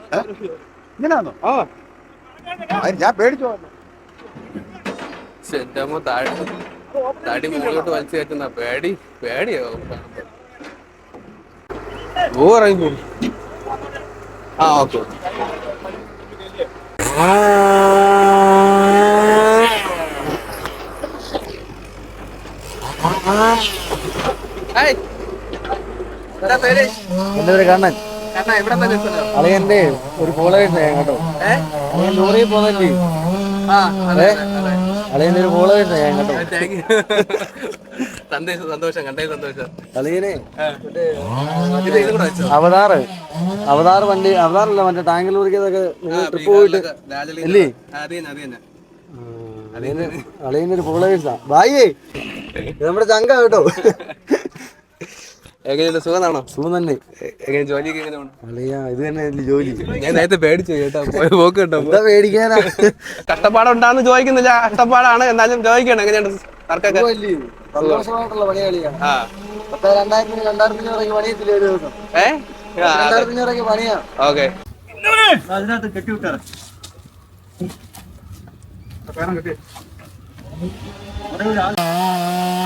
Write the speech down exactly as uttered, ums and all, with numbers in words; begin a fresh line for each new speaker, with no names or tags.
ഇങ്ങനെയാണോ? ആ ഞാൻ പേടിച്ചോ.
എന്റെ അമ്മ താഴെ തടി മുകളിലോട്ട് വലിച്ചു കയറ്റുന്ന പേടി പേടിയോ ഓ ഇറങ്ങി. ആ ഓക്കെ.
എന്റെ പേര് കണ്ണൻ. അളിയന്റെ ഒരു ഫോളോവേഴ്സ് കേട്ടോ. അളിയൻ ലോറിയിൽ പോന്നല്ലേ. അളിയന്റെ ഒരു ഫോളോവേഴ്സ് കേട്ടോ.
സന്തോഷം സന്തോഷം കണ്ടേ സന്തോഷം.
അളിയനെ അവതാറ് അവതാറ് വണ്ടി അവതാറല്ല മറ്റേ ടാങ്ക് ലോറിക്കൊക്കെ ട്രിപ്പ് പോയിട്ട് അല്ലേ. അളിയന്റെ ഒരു ഫോളോവേഴ്സാ. ബായേ നമ്മുടെ ചങ്ക കേട്ടോ.
എങ്ങനെയുണ്ട്? സുഖമാണോ?
സുഖം തന്നെ.
എങ്ങനെ ജോലിയൊക്കെ എങ്ങനെ പോണു?
അളിയാ ഇത് തന്നെ ജോലി.
ഞാൻ നേരത്തെ പേടിച്ചു കേട്ടോ. പോക്ക് കേട്ടോ.
എന്താ പേടിക്കാനാ?
കഷ്ടപ്പാടുണ്ടാന്ന് ചോദിക്കുന്നില്ല, കഷ്ടപ്പാടാണ് എന്നാലും ചോദിക്കണം എങ്ങനെയുണ്ട് വർക്കൊക്കെ?
സന്തോഷമായിട്ടുള്ള പണിയാളിയാ. പത്ത് രണ്ടായിരത്തിന് രണ്ടായിരത്തിന് ഇറങ്ങി പണിയത്തില്ല ഒരു ദിവസം.
ഏഹ്
രണ്ടായിരത്തിന് ഇറങ്ങി പണിയാ.
ഓക്കെ.
അതിനകത്ത് കെട്ടി വിട്ടാറ് പേരം കെട്ടി